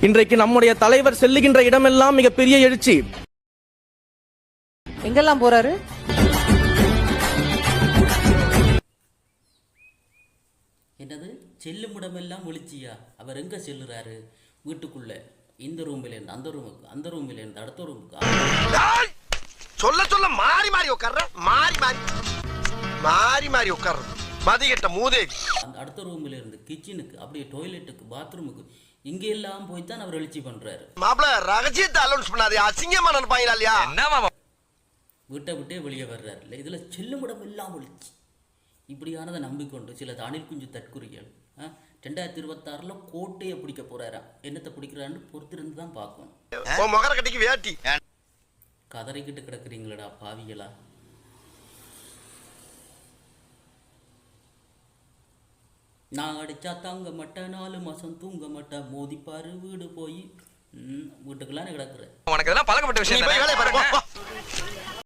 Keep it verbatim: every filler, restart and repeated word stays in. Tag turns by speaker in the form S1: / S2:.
S1: இன்றைக்கு நம்முடைய தலைவர் செல்லுகின்ற இடமெல்லாம் மிகப்பெரிய எழுச்சி.
S2: எங்கெல்லாம் போறாரு?
S3: என்னது செல்லும் இடமெல்லாம் ஒளிச்சியா? அவர் எங்க செல்லுறாரு? வீட்டுக்குள்ள, இந்த ரூமில் இருந்து அந்த ரூமுக்கு, அந்த ரூமில் இருந்து அடுத்த ரூமுக்கு.
S4: சொல்ல சொல்ல மாறி மாறி உட்கார்ற, மாறி மாறி மாறி மாறி உட்கார்ற மதிகட்ட மூதேவி.
S3: அந்த அடுத்த ரூமில் இருந்து கிச்சனுக்கு, அப்படியே டாய்லெட்டுக்கு, பாத்ரூமுக்கு, இங்க எல்லாம் போய் தான் அவர் எழுச்சி பண்றாரு.
S4: மாப்ள ரகசியத்தை அலௌன்ஸ் பண்ணாதே, அசிங்கமா நினைப்பாங்களா இல்லையா? என்ன மாமா
S3: வீட்டை விட்டே வெளியே வர்றாரு இல்லை. இதுல செல்லும் இடம் எல்லாம் ஒளிச்சு. இப்படியானதை நம்பிக்கொண்டு சில அணில் குஞ்சு தற்குறிகள் ரெண்டாயிரத்தி இருபத்தி ஆறுல கோட்டையை பிடிக்க போறாரா. என்னத்தை பிடிக்கிறான்னு பொறுத்திருந்து தான் பார்க்கணும்.
S4: மொகர கட்டிக்கு வேட்டி
S3: கதறிக்கிட்டு கிடக்குறீங்களடா பாவிகளா. நான் அடிச்சா தாங்க மாட்டேன், நாலு மாசம் தூங்க மாட்டேன், மோதிப்பாரு வீடு போய் வீட்டுக்கெல்லாம் கிடக்குறேன்.
S5: உனக்கு இதெல்லாம் பழக்கப்பட்ட விஷயம்.